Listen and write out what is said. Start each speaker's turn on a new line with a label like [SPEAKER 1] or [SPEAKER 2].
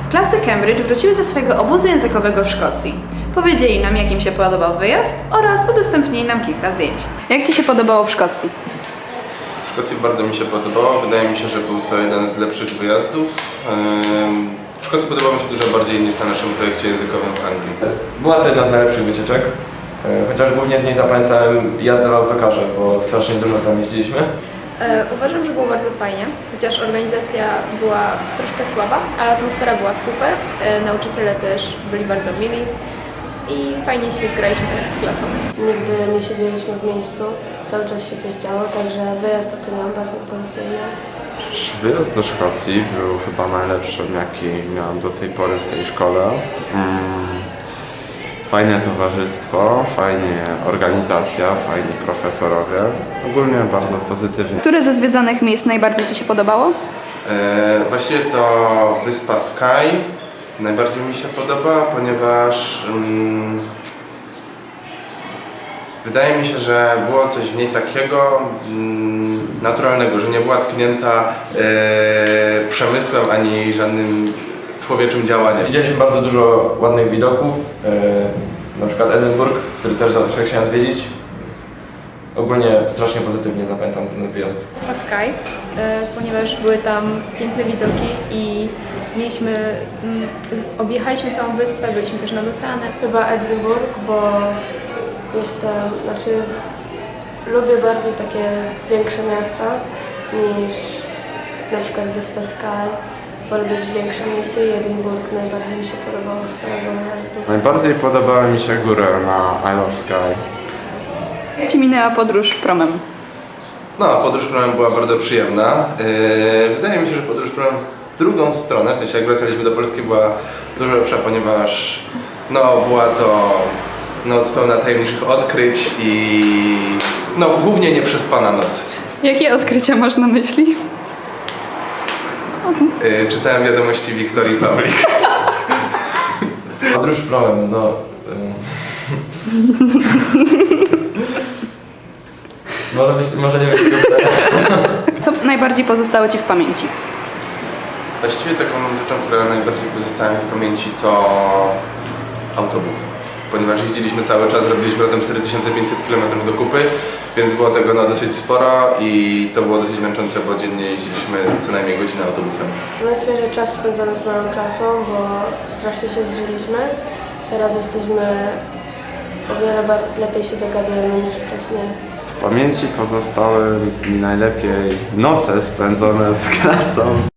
[SPEAKER 1] Klasy Cambridge wróciły ze swojego obozu językowego w Szkocji. Powiedzieli nam, jak im się podobał wyjazd oraz udostępnili nam kilka zdjęć. Jak Ci się podobało w Szkocji?
[SPEAKER 2] W Szkocji bardzo mi się podobało. Wydaje mi się, że był to jeden z lepszych wyjazdów. W Szkocji podobało mi się dużo bardziej niż na naszym projekcie językowym w Anglii.
[SPEAKER 3] Była to jedna z najlepszych wycieczek, chociaż głównie z niej zapamiętałem jazdę w autokarze, bo strasznie dużo tam jeździliśmy.
[SPEAKER 4] Uważam, że było bardzo fajnie, chociaż organizacja była troszkę słaba, ale atmosfera była super. Nauczyciele też byli bardzo mili i fajnie się zgraliśmy z klasą.
[SPEAKER 5] Nigdy nie siedzieliśmy w miejscu, cały czas się coś działo, także wyjazd oceniam bardzo pozytywnie.
[SPEAKER 6] Wyjazd do Szkocji był chyba najlepszym, jaki miałem do tej pory w tej szkole. Fajne towarzystwo, fajnie organizacja, fajni profesorowie. Ogólnie bardzo pozytywnie.
[SPEAKER 1] Które ze zwiedzanych miejsc najbardziej Ci się podobało?
[SPEAKER 2] Właściwie to wyspa Skye najbardziej mi się podoba, ponieważ wydaje mi się, że było coś w niej takiego naturalnego, że nie była tknięta przemysłem ani żadnym człowieczym działaniem.
[SPEAKER 3] Widzieliśmy bardzo dużo ładnych widoków, na przykład Edynburg, który też zawsze chciałem zwiedzić. Ogólnie strasznie pozytywnie zapamiętam ten wyjazd.
[SPEAKER 4] Wyspa Skye, ponieważ były tam piękne widoki i objechaliśmy całą wyspę, byliśmy też nad oceanem.
[SPEAKER 5] Chyba Edynburg, bo lubię bardziej takie większe miasta niż na przykład wyspę Skye. Wolę być w większym mieście i Edynburg najbardziej mi się podobało z całego wyjazdu.
[SPEAKER 6] Najbardziej podobała mi się góra na Isle of Skye.
[SPEAKER 1] Jak Ci minęła podróż promem?
[SPEAKER 2] No, podróż promem była bardzo przyjemna. Wydaje mi się, że podróż promem w drugą stronę, w sensie jak wracaliśmy do Polski, była dużo lepsza, ponieważ była to noc pełna tajemniczych odkryć i głównie nieprzespana noc.
[SPEAKER 1] Jakie odkrycia masz na myśli?
[SPEAKER 2] Czytałem wiadomości Wiktorii Pawlik.
[SPEAKER 3] Podróż promem, może nie wiem.
[SPEAKER 1] Co najbardziej pozostało Ci w pamięci?
[SPEAKER 2] Właściwie taką rzeczą, która najbardziej pozostała mi w pamięci, to autobus. Ponieważ jeździliśmy cały czas, robiliśmy razem 4500 km do kupy, więc było tego dosyć sporo i to było dosyć męczące, bo dziennie jeździliśmy co najmniej godzinę autobusem.
[SPEAKER 5] Myślę, że czas spędzony z moją klasą, bo strasznie się zżyliśmy. Teraz jesteśmy o wiele lepiej się dogadujemy niż wcześniej.
[SPEAKER 6] W pamięci pozostały mi najlepiej noce spędzone z klasą.